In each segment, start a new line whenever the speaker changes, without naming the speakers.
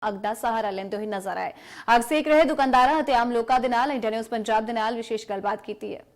ਅੱਗ ਦਾ ਸਹਾਰਾ ਲੈਂਦੇ ਹੋਏ ਨਜ਼ਰ ਆਏ। ਅੱਗ ਸੇਕ ਰਹੇ ਦੁਕਾਨਦਾਰਾਂ ਅਤੇ ਆਮ ਲੋਕਾਂ ਦੇ ਨਾਲ ਇੰਡੀਆ ਨਿਊਜ਼ ਪੰਜਾਬ ਦੇ ਨਾਲ ਵਿਸ਼ੇਸ਼ ਗੱਲਬਾਤ ਕੀਤੀ ਹੈ।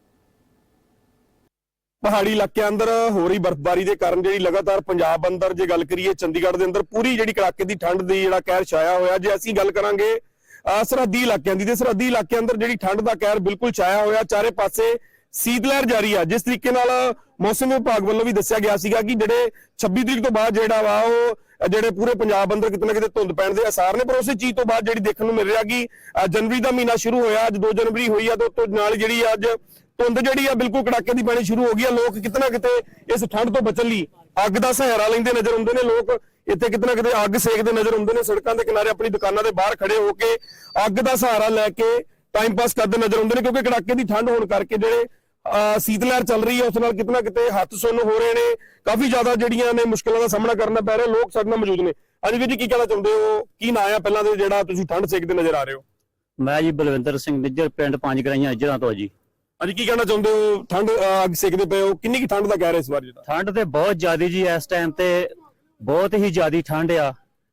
ਪਹਾੜੀ ਇਲਾਕਿਆਂ ਅੰਦਰ ਹੋ ਰਹੀ ਬਰਫ਼ਬਾਰੀ ਦੇ ਕਾਰਨ ਜਿਹੜੀ ਲਗਾਤਾਰ ਪੰਜਾਬ ਅੰਦਰ ਜੇ ਗੱਲ ਕਰੀਏ ਚੰਡੀਗੜ੍ਹ ਦੇ ਅੰਦਰ ਪੂਰੀ ਜਿਹੜੀ ਕੜਾਕੇ ਦੀ ਠੰਡ ਦੀ ਜਿਹੜਾ ਕਹਿਰ ਛਾਇਆ ਹੋਇਆ। ਜੇ ਅਸੀਂ ਗੱਲ ਕਰਾਂਗੇ ਸਰਹੱਦੀ ਇਲਾਕਿਆਂ ਦੀ ਤੇ ਸਰਹੱਦੀ ਇਲਾਕਿਆਂ ਅੰਦਰ ਜਿਹੜੀ ਠੰਡ ਦਾ ਕਹਿਰ ਬਿਲਕੁਲ ਛਾਇਆ ਹੋਇਆ, ਚਾਰੇ ਪਾਸੇ ਸੀਤ ਲਹਿਰ ਜਾਰੀ ਆ। ਜਿਸ ਤਰੀਕੇ ਨਾਲ ਮੌਸਮ ਵਿਭਾਗ ਵੱਲੋਂ ਵੀ ਦੱਸਿਆ ਗਿਆ ਸੀਗਾ ਕਿ ਜਿਹੜੇ 26 ਤਰੀਕ ਤੋਂ ਬਾਅਦ ਜਿਹੜਾ ਵਾ ਉਹ ਜਿਹੜੇ ਪੂਰੇ ਪੰਜਾਬ ਅੰਦਰ ਕਿਤੇ ਨਾ ਕਿਤੇ ਧੁੰਦ ਪੈਣ ਦੇ ਆਸਾਰ ਨੇ। ਪਰ ਉਸੇ ਚੀਜ਼ ਤੋਂ ਬਾਅਦ ਜਿਹੜੀ ਦੇਖਣ ਨੂੰ ਮਿਲ ਰਿਹਾ ਕਿ ਜਨਵਰੀ ਦਾ ਮਹੀਨਾ ਸ਼ੁਰੂ ਹੋਇਆ, ਅੱਜ 2 ਜਨਵਰੀ ਹੋਈ ਆ, ਤੋਂ ਨਾਲ ਜਿਹੜੀ ਅੱਜ ਧੁੰਦ ਜਿਹੜੀ ਆ ਬਿਲਕੁਲ ਕੜਾਕੇ ਦੀ ਪੈਣੀ ਸ਼ੁਰੂ ਹੋ ਗਈ ਆ। ਲੋਕ ਕਿਤੇ ਨਾ ਕਿਤੇ ਇਸ ਠੰਡ ਤੋਂ ਬਚਣ ਲਈ ਅੱਗ ਦਾ ਸਹਾਰਾ ਲੈਂਦੇ ਨਜ਼ਰ ਆਉਂਦੇ ਨੇ। ਲੋਕ ਇੱਥੇ ਕਿਤੇ ਨਾ ਕਿਤੇ ਅੱਗ ਸੇਕਦੇ ਨਜ਼ਰ ਆਉਂਦੇ ਨੇ, ਸੜਕਾਂ ਦੇ ਕਿਨਾਰੇ ਆਪਣੀ ਦੁਕਾਨਾਂ ਦੇ ਬਾਹਰ ਖੜੇ ਹੋ ਕੇ ਅੱਗ ਦਾ ਸਹਾਰਾ ਲੈ ਕੇ ਟਾਈਮ ਪਾਸ ਕਰਦੇ ਨਜ਼ਰ ਆਉਂਦੇ ਨੇ, ਕਿਉਂਕਿ ਕੜਾਕੇ ਦੀ ਠੰਡ ਹੋਣ ਕਰਕੇ ਜਿਹੜੇ ਸੀਤ ਲਹਿਰ ਚੱਲ ਰਹੀ ਹੈ ਉਸ ਨਾਲ ਕਿਤੇ ਨਾ ਕਿਤੇ ਹੱਥ ਸੁੰਨ ਹੋ ਰਹੇ ਨੇ। ਕਾਫੀ ਜ਼ਿਆਦਾ ਜਿਹੜੀਆਂ ਨੇ ਮੁਸ਼ਕਲਾਂ ਦਾ ਸਾਹਮਣਾ ਕਰਨਾ ਪੈ ਰਿਹਾ। ਲੋਕ ਸਾਡੇ ਨਾਲ ਮੌਜੂਦ ਨੇ। ਹਾਂਜੀ ਵੀਰ ਜੀ, ਕੀ ਕਹਿਣਾ ਚਾਹੁੰਦੇ ਹੋ? ਕੀ ਨਾਂ ਆ ਪਹਿਲਾਂ ਦੇ ਜਿਹੜਾ ਤੁਸੀਂ ਠੰਡ ਸੇਕਦੇ ਨਜ਼ਰ ਆ ਰਹੇ ਹੋ?
ਮੈਂ ਜੀ ਬਲਵਿੰਦਰ ਸਿੰਘ ਨਿੱਜਰ, ਪਿੰਡ ਪੰਜ ਗਰਾਈਆਂ ਇੱਜਰਾਂ ਤੋਂ ਜੀ।
ਹਾਂਜੀ, ਕੀ ਕਹਿਣਾ ਚਾਹੁੰਦੇ ਹੋ? ਠੰਡ ਅੱਗ ਸੇਕਦੇ ਪਏ ਹੋ, ਕਿੰਨੀ ਕੀ ਠੰਡ ਦਾ ਕਹਿ ਰਹੇ ਇਸ ਵਾਰ? ਜਿਹੜਾ
ਠੰਡ ਤੇ ਬਹੁਤ ਜ਼ਿਆਦੀ ਜੀ, ਇਸ ਟਾਈਮ ਤੇ ਬਹੁਤ ਹੀ ਜ਼ਿਆਦੀ ਠੰਡ ਆ।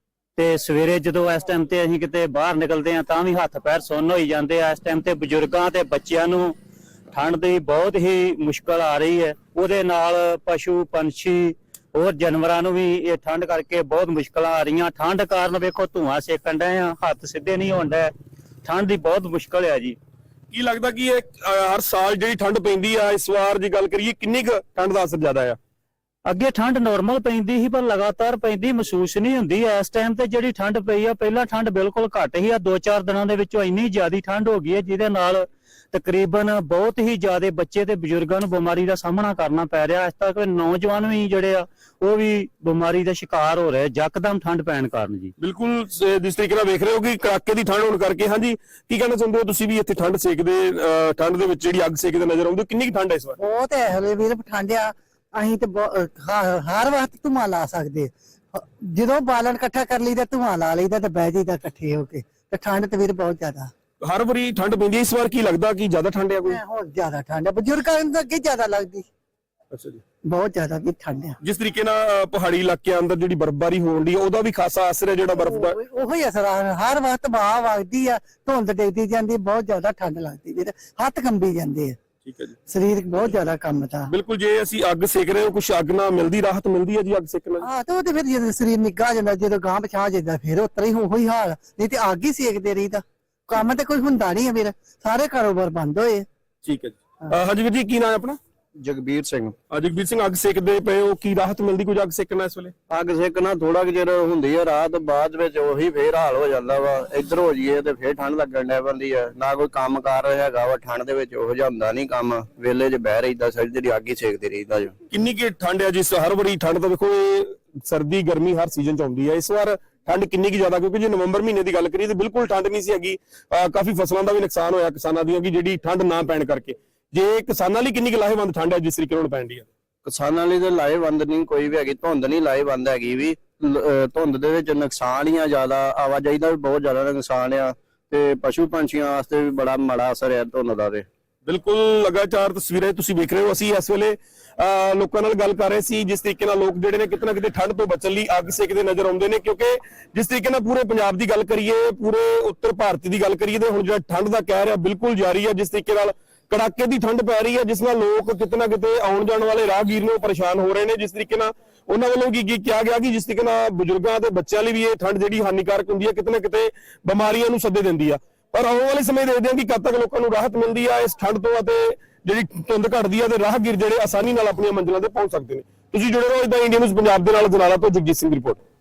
ਤੇ ਸਵੇਰੇ ਜਦੋਂ ਇਸ ਟਾਈਮ ਤੇ ਅਸੀਂ ਕਿਤੇ ਬਾਹਰ ਨਿਕਲਦੇ ਆ ਤਾਂ ਵੀ ਹੱਥ ਪੈਰ ਸੁੰਨ ਹੋਈ ਜਾਂਦੇ ਆ। ਇਸ ਟਾਈਮ ਤੇ ਬਜ਼ੁਰਗਾਂ ਤੇ ਬੱਚਿਆਂ ਨੂੰ ਠੰਡ ਦੀ ਬਹੁਤ ਹੀ ਮੁਸ਼ਕਲ ਆ ਰਹੀ ਹੈ। ਉਹਦੇ ਨਾਲ ਪਸ਼ੂ ਪੰਛੀ ਹੋਰ ਜਾਨਵਰਾਂ ਨੂੰ ਵੀ ਇਹ ਠੰਡ ਕਰਕੇ ਬਹੁਤ ਮੁਸ਼ਕਲਾਂ ਆ ਰਹੀਆਂ। ਠੰਡ ਕਾਰਨ ਵੇਖੋ ਧੂਆਂ ਸੇਕਣ ਡਏ ਆ, ਹੱਥ ਸਿੱਧੇ ਨਹੀਂ ਹੋਣ ਡਏ। ਠੰਡ ਦੀ ਬਹੁਤ ਮੁਸ਼ਕਲ ਆ ਜੀ।
ਕੀ ਲੱਗਦਾ ਕਿ ਇਹ ਹਰ ਸਾਲ ਜਿਹੜੀ ਠੰਡ ਪੈਂਦੀ ਆ, ਇਸ ਵਾਰ ਜੇ ਗੱਲ ਕਰੀਏ ਕਿੰਨੀ ਕੁ ਠੰਡ ਦਾ ਅਸਰ ਜ਼ਿਆਦਾ ਆ?
ਅੱਗੇ ਠੰਡ ਨਾਰਮਲ ਪੈਂਦੀ ਸੀ ਪਰ ਲਗਾਤਾਰ ਪੈਂਦੀ ਮਹਿਸੂਸ ਨਹੀਂ ਹੁੰਦੀ। ਇਸ ਟਾਈਮ ਤੇ ਜਿਹੜੀ ਠੰਡ ਪਈ ਆ, ਪਹਿਲਾਂ ਠੰਡ ਬਿਲਕੁਲ ਘੱਟ ਸੀ। ਆ 2-4 ਦਿਨਾਂ ਦੇ ਵਿੱਚੋਂ ਇੰਨੀ ਜ਼ਿਆਦੀ ਠੰਡ ਹੋ ਗਈ ਹੈ ਜਿਹਦੇ ਨਾਲ ਤਕਰੀਬਨ ਬਹੁਤ ਹੀ ਜ਼ਿਆਦਾ ਬੱਚੇ ਤੇ ਬਜ਼ੁਰਗਾਂ ਨੂੰ ਬਿਮਾਰੀ ਦਾ ਸਾਹਮਣਾ ਕਰਨਾ ਪੈ ਰਿਹਾ। ਇਸ ਤੱਕ ਨੌਜਵਾਨ ਵੀ ਜਿਹੜੇ ਆ ਉਹ ਵੀ ਬਿਮਾਰੀ ਦਾ ਸ਼ਿਕਾਰ ਹੋ ਰਹੇ ਯਕਦਮ ਠੰਡ ਪੈਣ ਕਾਰਨ ਜੀ।
ਬਿਲਕੁਲ ਜਿਸ ਤਰੀਕੇ ਨਾਲ ਵੇਖ ਰਹੇ ਹੋ ਕਿ ਕੜਾਕੇ ਦੀ ਠੰਡ ਹੋਣ ਕਰਕੇ। ਹਾਂਜੀ, ਕੀ ਕਹਿਣਾ ਚਾਹੁੰਦੇ ਹੋ ਤੁਸੀਂ ਵੀ ਇੱਥੇ ਠੰਡ ਸੇਕਦੇ, ਠੰਡ ਦੇ ਵਿੱਚ ਜਿਹੜੀ ਅੱਗ ਸੇਕਦੇ ਨਜ਼ਰ ਆਉਂਦੇ, ਕਿੰਨੀ ਕੁ ਠੰਡ ਹੈ ਇਸ ਵਾਰ?
ਬਹੁਤ ਹੈ ਹਲੇ ਵੀਰ, ਠੰਡ ਆ। ਅਸੀਂ ਤੇ ਹਰ ਵਕਤ ਧੂੰਆਂ ਲਾ ਸਕਦੇ, ਜਦੋਂ ਬਾਲਣ ਇਕੱਠਾ ਕਰ ਲਈਦਾ ਧੂੰਆਂ ਲਾ ਲਈਦਾ ਤੇ ਬਹਿ ਜਾਈਦਾ ਇਕੱਠੇ ਹੋ ਕੇ। ਤੇ ਠੰਡ ਤੇ ਵੀਰ ਬਹੁਤ ਜ਼ਿਆਦਾ
ਹਰ ਵਾਰੀ ਠੰਡ ਪੈਂਦੀ ਹੈ, ਇਸ ਵਾਰ ਕੀ ਲੱਗਦਾ ਕਿ ਜ਼ਿਆਦਾ ਠੰਡ ਹੈ ਕੋਈ?
ਹੋਰ ਜ਼ਿਆਦਾ ਠੰਡ ਹੈ, ਬਜ਼ੁਰਗਾਂ ਨੂੰ ਅੱਗੇ ਜ਼ਿਆਦਾ ਲੱਗਦੀ।
ਅੱਛਾ ਜੀ,
ਬਹੁਤ ਜ਼ਿਆਦਾ ਵੀ ਠੰਡ ਆ।
ਜਿਸ ਤਰੀਕੇ ਨਾਲ ਪਹਾੜੀ ਇਲਾਕਿਆਂ ਅੰਦਰ ਜਿਹੜੀ ਬਰਫ਼ਬਾਰੀ ਹੋਣ ਦੀ ਉਹਦਾ ਵੀ ਖਾਸਾ ਅਸਰ ਹੈ ਜਿਹੜਾ ਬਰਫ਼ ਦਾ।
ਉਹੀ ਅਸਰ ਆ, ਹਰ ਵਕਤ ਬਾਹ ਵਗਦੀ ਆ, ਧੁੰਦ ਡਿੱਗਦੀ ਜਾਂਦੀ, ਬਹੁਤ ਜ਼ਿਆਦਾ ਠੰਡ ਲੱਗਦੀ ਵੀਰ, ਹੱਥ ਕੰਬੀ ਜਾਂਦੇ ਆ।
ਠੀਕ ਹੈ ਜੀ,
ਸਰੀਰ ਬਹੁਤ ਜ਼ਿਆਦਾ ਕੰਬਦਾ।
ਬਿਲਕੁਲ। ਜੇ ਅਸੀਂ ਅੱਗ ਸੇਕ ਰਹੇ ਹੋ, ਕੁਛ ਅੱਗ ਨਾਲ ਮਿਲਦੀ ਰਾਹਤ ਮਿਲਦੀ ਹੈ ਜੀ ਅੱਗ ਸੇਕਣ ਨਾਲ?
ਹਾਂ, ਤੇ ਉਹ ਤੇ ਫਿਰ ਜਦੋਂ ਸਰੀਰ ਨਿੱਘਾ ਜਾਂਦਾ, ਜਦੋਂ ਗਾਂ ਪਛਾ ਜਾਂਦਾ ਫਿਰ ਉਤਰਾ ਹੀ ਉਹੀ ਹਾਲ। ਨਹੀਂ ਤੇ ਅੱਗ ਹੀ ਸੇਕਦੇ ਰਹੀਦਾ, ਕੰਮ ਤੇ ਕੋਈ ਹੁੰਦਾ ਨਹੀਂ ਹੈ ਵੀਰ, ਸਾਰੇ ਕਾਰੋਬਾਰ ਬੰਦ ਹੋਏ।
ਠੀਕ ਹੈ ਜੀ। ਹਾਂਜੀ ਵੀਰ ਜੀ, ਕੀ ਨਾਮ ਹੈ ਆਪਣਾ?
ਜਗਬੀਰ ਸਿੰਘ।
ਜਗਬੀਰ ਸਿੰਘ, ਅੱਗ ਸੇਕਦੇ ਪਏ ਹੋ, ਕੀ ਰਾਹਤ ਮਿਲਦੀ ਕੁਝ ਅੱਗ ਸੇਕਣਾ ਇਸ ਵੇਲੇ?
ਅੱਗ ਸੇਕਣਾ ਥੋੜਾ ਕਿ ਚਿਰ ਹੁੰਦੀ ਹੈ ਰਾਤ, ਬਾਅਦ ਵਿੱਚ ਉਹੀ ਫੇਰ ਹਾਲ ਹੋ ਜਾਂਦਾ ਵਾ। ਇੱਧਰ ਹੋ ਜਾਈਏ ਤੇ ਫੇਰ ਠੰਡ ਲੱਗਣ ਲੱਗ ਪੈਂਦੀ ਹੈ। ਨਾ ਕੋਈ ਕੰਮ ਕਾਰ ਹੈਗਾ ਵਾ ਠੰਡ ਦੇ ਵਿੱਚ, ਉਹ ਜਿਹਾ ਹੁੰਦਾ ਨਹੀਂ ਕੰਮ। ਵੇਲੇ 'ਚ ਬਹਿ ਰਹੀਦਾ, ਸਾਰੀ ਜਿਹੜੀ ਅੱਗ ਹੀ ਸੇਕਦੇ ਰਹੀਦਾ ਜੋ।
ਕਿੰਨੀ ਕਿ ਠੰਡ ਹੈ ਜਿਸ ਹਰ ਵਾਰੀ ਠੰਡ ਤਾਂ ਦੇਖੋ ਸਰਦੀ ਗਰਮੀ ਹਰ ਸੀਜ਼ਨ 'ਚ ਆਉਂਦੀ ਹੈ। ਇਸ ਵਾਰ ਠੰਡ ਕਿੰਨੀ ਕੀ ਜ਼ਿਆਦਾ? ਕਿਉਂਕਿ ਜੇ ਨਵੰਬਰ ਮਹੀਨੇ ਦੀ ਗੱਲ ਕਰੀਏ ਤਾਂ ਬਿਲਕੁਲ ਠੰਡ ਨਹੀਂ ਸੀ ਹੈਗੀ। ਕਾਫੀ ਫਸਲਾਂ ਦਾ ਵੀ ਨੁਕਸਾਨ ਹੋਇਆ ਕਿਸਾਨਾਂ ਦੀਆਂ ਕਿ ਜਿਹੜੀ ਠੰਡ ਨਾ ਪੈਣ ਕਰਕੇ। ਜੇ ਕਿਸਾਨਾਂ ਲਈ ਕਿੰਨੀ ਕੁ ਲਾਹੇਵੰਦ ਠੰਡ ਹੈ ਜਿਸ ਤਰੀਕੇ ਨਾਲ ਪੈਣ ਦੀ ਹੈ?
ਕਿਸਾਨਾਂ ਲਈ ਤਾਂ ਲਾਹੇਵੰਦ ਨਹੀਂ ਕੋਈ ਵੀ ਹੈਗੀ, ਧੁੰਦ ਨਹੀਂ ਲਾਹੇਵੰਦ ਹੈਗੀ ਵੀ। ਧੁੰਦ ਦੇ ਵਿੱਚ ਨੁਕਸਾਨ ਹੀ ਆ ਜ਼ਿਆਦਾ, ਆਵਾਜਾਈ ਦਾ ਵੀ ਬਹੁਤ ਜ਼ਿਆਦਾ ਨੁਕਸਾਨ ਆ, ਤੇ ਪਸ਼ੂ ਪੰਛੀਆਂ ਵਾਸਤੇ ਵੀ ਬੜਾ ਮਾੜਾ ਅਸਰ ਹੈ ਧੁੰਦ ਦਾ। ਤੇ
ਬਿਲਕੁਲ ਲਗਾਤਾਰ ਤਸਵੀਰਾਂ ਤੁਸੀਂ ਵੇਖ ਰਹੇ ਹੋ। ਅਸੀਂ ਇਸ ਵੇਲੇ ਲੋਕਾਂ ਨਾਲ ਗੱਲ ਕਰ ਰਹੇ ਸੀ ਜਿਸ ਤਰੀਕੇ ਨਾਲ ਲੋਕ ਜਿਹੜੇ ਨੇ ਕਿਤੇ ਨਾ ਕਿਤੇ ਠੰਡ ਤੋਂ ਬਚਣ ਲਈ ਅੱਗ ਸੇਕਦੇ ਨਜ਼ਰ ਆਉਂਦੇ ਨੇ। ਕਿਉਂਕਿ ਜਿਸ ਤਰੀਕੇ ਨਾਲ ਪੂਰੇ ਪੰਜਾਬ ਦੀ ਗੱਲ ਕਰੀਏ, ਪੂਰੇ ਉੱਤਰ ਭਾਰਤ ਦੀ ਗੱਲ ਕਰੀਏ, ਤੇ ਹੁਣ ਜਿਹੜਾ ਠੰਡ ਦਾ ਕਹਿਰ ਹੈ ਬਿਲਕੁਲ ਜਾਰੀ ਹੈ। ਜਿਸ ਤਰੀਕੇ ਨਾਲ ਕੜਾਕੇ ਦੀ ਠੰਡ ਪੈ ਰਹੀ ਹੈ ਜਿਸ ਨਾਲ ਲੋਕ ਕਿਤੇ ਨਾ ਕਿਤੇ ਆਉਣ ਜਾਣ ਵਾਲੇ ਰਾਹਗੀਰ ਨੂੰ ਪਰੇਸ਼ਾਨ ਹੋ ਰਹੇ ਨੇ। ਜਿਸ ਤਰੀਕੇ ਨਾਲ ਉਹਨਾਂ ਵੱਲੋਂ ਕੀ ਕਿਹਾ ਗਿਆ ਕਿ ਜਿਸ ਤਰੀਕੇ ਨਾਲ ਬਜ਼ੁਰਗਾਂ ਤੇ ਬੱਚਿਆਂ ਲਈ ਵੀ ਇਹ ਠੰਡ ਜਿਹੜੀ ਹਾਨੀਕਾਰਕ ਹੁੰਦੀ ਹੈ, ਕਿਤੇ ਨਾ ਕਿਤੇ ਬਿਮਾਰੀਆਂ ਨੂੰ ਸੱਦੇ ਦਿੰਦੀ ਆ। ਪਰ ਆਉਣ ਵਾਲੇ ਸਮੇਂ ਦੇਖਦੇ ਹਾਂ ਕਿ ਕਦ ਤੱਕ ਲੋਕਾਂ ਨੂੰ ਰਾਹਤ ਮਿਲਦੀ ਆ ਇਸ ਠੰਡ ਤੋਂ, ਅਤੇ ਜਿਹੜੀ ਧੁੰਦ ਘਟਦੀ ਆ ਤੇ ਰਾਹਗੀਰ ਜਿਹੜੇ ਆਸਾਨੀ ਨਾਲ ਆਪਣੀਆਂ ਮੰਜ਼ਿਲਾਂ ਤੇ ਪਹੁੰਚ ਸਕਦੇ ਨੇ। ਤੁਸੀਂ ਜੁੜੇ ਰਹੋ ਇਦਾਂ ਇੰਡੀਆ ਨਿਊਜ਼ ਪੰਜਾਬ ਦੇ ਨਾਲ। ਜਨਾਲਾ ਤੋਂ ਜਗਜੀਤ ਸਿੰਘ ਦੀ ਰਿਪੋਰਟ।